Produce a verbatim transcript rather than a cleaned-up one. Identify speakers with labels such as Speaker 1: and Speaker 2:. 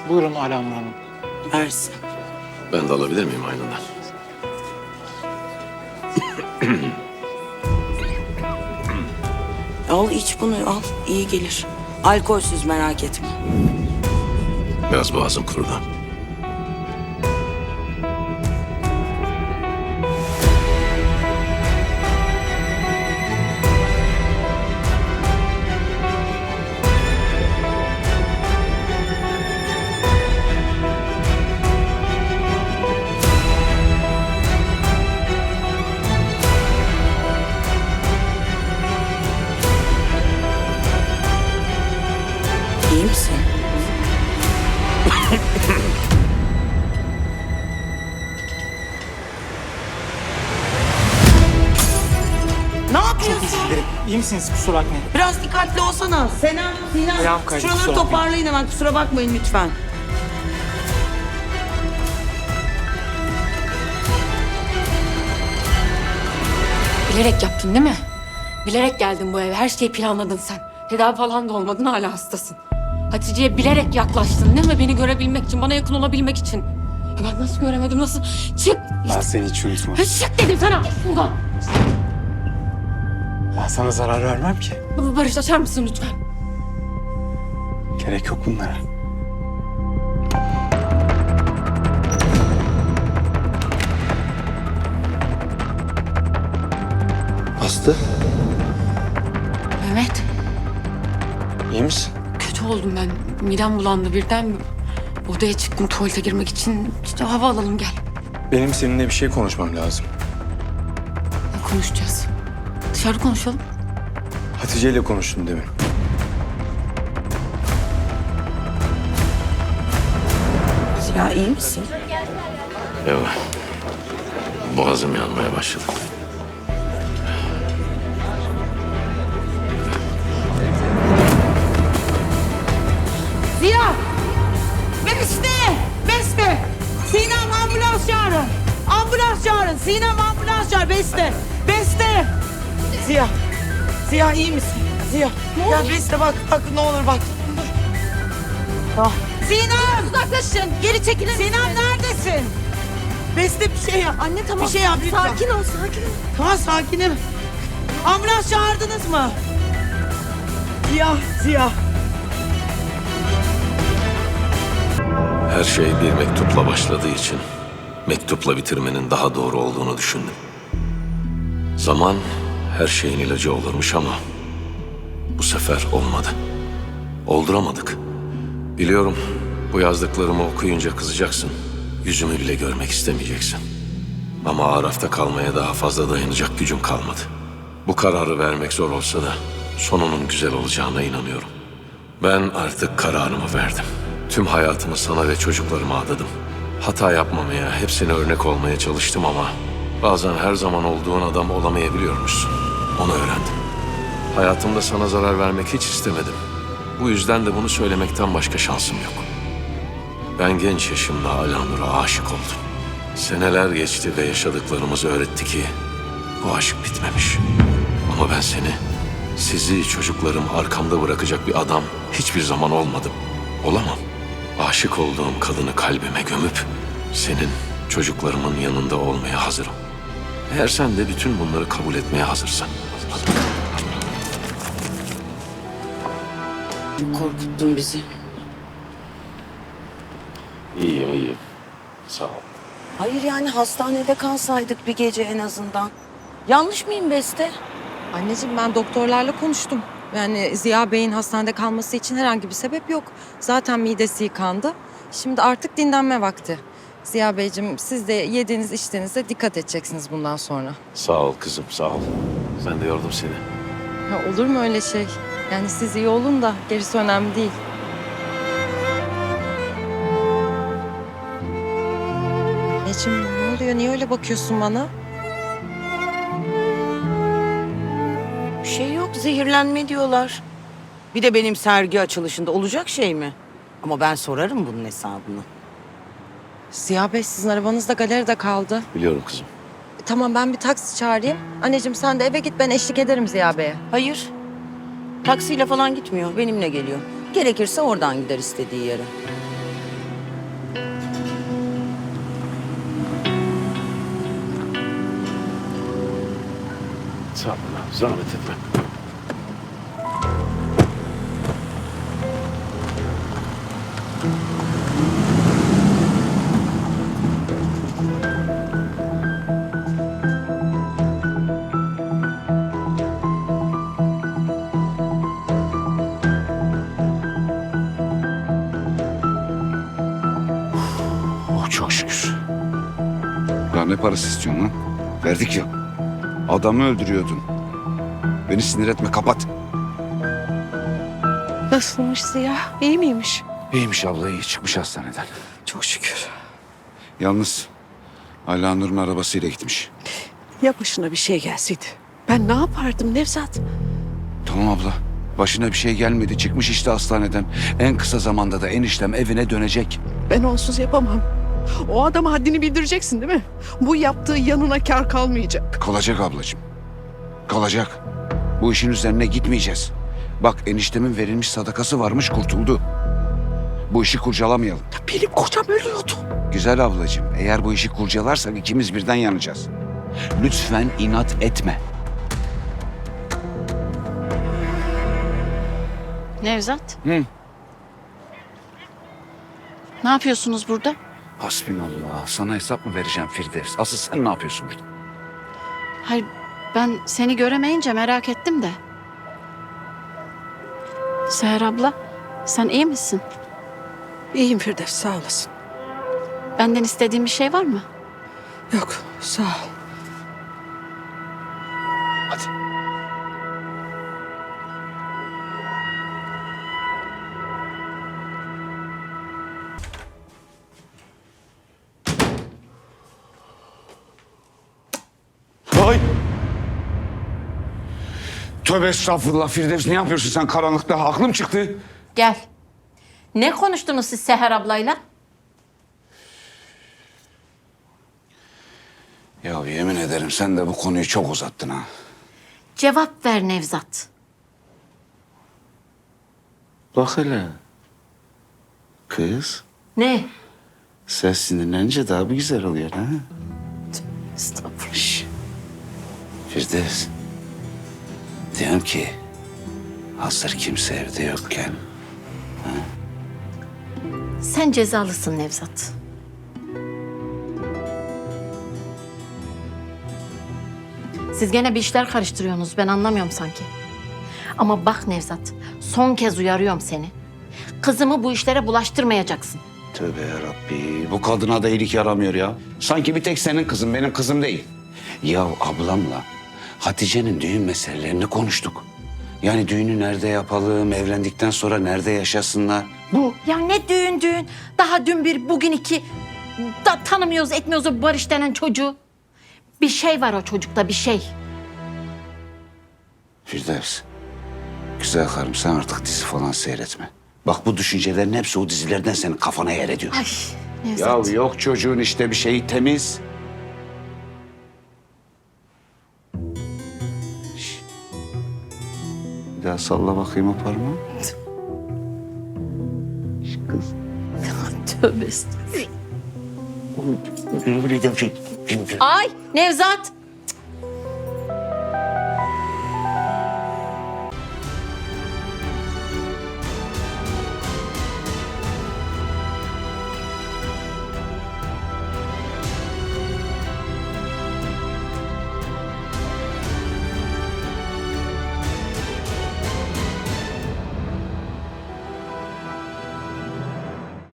Speaker 1: Buyurun Alanur Hanım.
Speaker 2: Versin.
Speaker 3: Ben de alabilir miyim aynından?
Speaker 2: Al iç bunu al. İyi gelir. Alkolsüz merak etme.
Speaker 3: Biraz boğazım kurudu.
Speaker 2: İyi misin? Ne yapıyorsun?
Speaker 1: İyi misiniz? Kusura bakmayın.
Speaker 2: Biraz dikkatli olsana. Senem,
Speaker 1: Ayağım
Speaker 2: Sinem.
Speaker 1: kaydı,
Speaker 2: Şuraları
Speaker 1: kusura bakmayın.
Speaker 2: toparlayın hemen. Kusura bakmayın lütfen.
Speaker 4: Bilerek yaptın değil mi? Bilerek geldin bu eve. Her şeyi planladın sen. Tedavi falan da olmadın, hala hastasın. Hatice'ye bilerek yaklaştın değil mi? Beni görebilmek için, bana yakın olabilmek için. Ya ben nasıl göremedim, nasıl? Çık!
Speaker 1: Ben seni hiç unutmam.
Speaker 4: Ya çık dedim sana! Buradan!
Speaker 1: Ben sana zarar vermem ki.
Speaker 4: Barış, açar mısın lütfen?
Speaker 1: Gerek yok bunlara.
Speaker 3: Aslı,
Speaker 4: Mehmet,
Speaker 3: iyi misin?
Speaker 4: kötü oldum ben. Midem bulandı birden. Odaya çıktım tuvalete girmek için. İşte hava alalım, gel.
Speaker 5: Benim seninle bir şey konuşmam lazım.
Speaker 4: Ne konuşacağız? Dışarı konuşalım.
Speaker 5: Hatice ile konuştum demin.
Speaker 2: Ya iyi misin?
Speaker 3: Yok. Boğazım yanmaya başladı.
Speaker 2: Ziya! Beste! Beste! Sinem ambulans çağırın. Ambulans çağırın. Sinem ambulans çağır. Beste! Beste! Ziya! Ziya iyi misin? Ziya! Ya Beste bak, bak ne olur bak. Ah. Sinem! Uzaklaşın. Geri çekilin. Sinem neredesin? Beste bir şey yap. Anne tamam. Bir şey yap lütfen. Sakin ol, sakin ol. Tamam sakinim. Ambulans çağırdınız mı? Ziya, Ziya.
Speaker 3: Her şey bir mektupla başladığı için mektupla bitirmenin daha doğru olduğunu düşündüm. Zaman her şeyin ilacı olurmuş ama bu sefer olmadı. Olduramadık. Biliyorum, bu yazdıklarımı okuyunca kızacaksın. Yüzümü bile görmek istemeyeceksin. Ama Araf'ta kalmaya daha fazla dayanacak gücüm kalmadı. Bu kararı vermek zor olsa da sonunun güzel olacağına inanıyorum. Ben artık kararımı verdim. Tüm hayatımı sana ve çocuklarıma adadım. Hata yapmamaya, hepsine örnek olmaya çalıştım ama bazen her zaman olduğun adam olamayabiliyormuşsun. Onu öğrendim. Hayatımda sana zarar vermek hiç istemedim. Bu yüzden de bunu söylemekten başka şansım yok. Ben genç yaşımda Alanur'a aşık oldum. Seneler geçti ve yaşadıklarımız öğretti ki bu aşk bitmemiş. Ama ben seni, sizi, çocuklarım arkamda bırakacak bir adam hiçbir zaman olmadım. Olamam. Aşık olduğum kadını kalbime gömüp senin, çocuklarımın yanında olmaya hazırım. Eğer sen de bütün bunları kabul etmeye hazırsan.
Speaker 2: Korkuttun bizi.
Speaker 3: İyiyim, iyiyim. Sağ ol.
Speaker 2: Hayır yani hastanede kalsaydık bir gece en azından. Yanlış mıyım Beste?
Speaker 6: Anneciğim ben doktorlarla konuştum. Yani Ziya Bey'in hastanede kalması için herhangi bir sebep yok. Zaten midesi yıkandı. Şimdi artık dinlenme vakti. Ziya Beyciğim siz de yediğiniz içtiğinize dikkat edeceksiniz bundan sonra.
Speaker 3: Sağ ol kızım, sağ ol. Ben de yordum seni.
Speaker 6: Ya olur mu öyle şey? Yani siz iyi olun da gerisi önemli değil. Anneciğim ne oluyor? Niye öyle bakıyorsun bana?
Speaker 2: Bir şey yok, zehirlenme diyorlar. Bir de benim sergi açılışında olacak şey mi? Ama ben sorarım bunun hesabını.
Speaker 6: Ziya Bey sizin arabanız da galeride kaldı.
Speaker 3: Biliyorum kızım.
Speaker 6: E, tamam ben bir taksi çağırayım. Anneciğim sen de eve git, ben eşlik ederim Ziya Bey'e.
Speaker 2: Hayır, taksiyle falan gitmiyor, benimle geliyor. Gerekirse oradan gider istediği yere.
Speaker 3: Sağ ol. Zahmet etme. Oh, çok şükür.
Speaker 7: Ya ne parası istiyorsun lan? Verdik ya. Adamı öldürüyordun. Beni sinir etme, kapat.
Speaker 8: Nasılmış Ziya? İyi miymiş?
Speaker 7: İyiymiş abla, iyi. Çıkmış hastaneden.
Speaker 8: Çok şükür.
Speaker 7: Yalnız Ala Nur'un arabasıyla gitmiş.
Speaker 8: Ya başına bir şey gelseydi? Ben ne yapardım Nevzat?
Speaker 7: Tamam abla. Başına bir şey gelmedi. Çıkmış işte hastaneden. En kısa zamanda da eniştem evine dönecek.
Speaker 8: Ben onsuz yapamam. O adama haddini bildireceksin değil mi? Bu yaptığı yanına kar kalmayacak.
Speaker 7: Kalacak ablacığım. Kalacak. Bu işin üzerine gitmeyeceğiz. Bak eniştemin verilmiş sadakası varmış, kurtuldu. Bu işi kurcalamayalım.
Speaker 8: Benim kocam ölüyordu.
Speaker 7: Güzel ablacığım, eğer bu işi kurcalarsak ikimiz birden yanacağız. Lütfen inat etme.
Speaker 9: Nevzat.
Speaker 7: Hı.
Speaker 9: Ne yapıyorsunuz burada?
Speaker 7: Hasbinallah. Sana hesap mı vereceğim Firdevs? Asıl sen ne yapıyorsun burada?
Speaker 9: Hayır, ben seni göremeyince merak ettim de. Seher abla, sen iyi misin?
Speaker 8: İyiyim Firdevs, sağ olasın.
Speaker 9: Benden istediğin bir şey var mı?
Speaker 8: Yok, sağ ol.
Speaker 7: Hadi. Ay! Tövbe estağfurullah Firdevs, ne yapıyorsun sen karanlıkta? Aklım çıktı.
Speaker 9: Gel. Ne konuştunuz siz Seher ablayla?
Speaker 7: Ya yemin ederim sen de bu konuyu çok uzattın ha.
Speaker 9: Cevap ver Nevzat.
Speaker 10: Bak hele. Kız,
Speaker 9: Ne?
Speaker 10: sen sinirlenince daha bir güzel oluyor ha?
Speaker 9: Estağfurullah.
Speaker 10: Şş. Firdevs. Diyorum ki, hazır kimse evde yokken
Speaker 9: Sen cezalısın Nevzat. Siz gene bir işler karıştırıyorsunuz. Ben anlamıyorum sanki. Ama bak Nevzat, son kez uyarıyorum seni. Kızımı bu işlere bulaştırmayacaksın.
Speaker 7: Tövbe yarabbi, bu kadına da iyilik yaramıyor ya. Sanki bir tek senin kızın, benim kızım değil. Ya ablamla Hatice'nin düğün meselelerini konuştuk. Yani düğünü nerede yapalım, evlendikten sonra nerede yaşasınlar. Bu.
Speaker 9: Ya ne düğün düğün. Daha dün bir, bugün iki. Da tanımıyoruz, etmiyoruz o Barış denen çocuğu. Bir şey var o çocukta, bir şey.
Speaker 7: Firdevs, güzel karım sen artık dizi falan seyretme. Bak bu düşüncelerin hepsi o dizilerden senin kafana yer ediyor.
Speaker 9: Ay Nevzat.
Speaker 7: Ya yok çocuğun işte bir şeyi temiz. Şş. Bir daha salla bakayım o parmağı. Şş, kız.
Speaker 9: Tövbe estağfurullah. Ay Nevzat.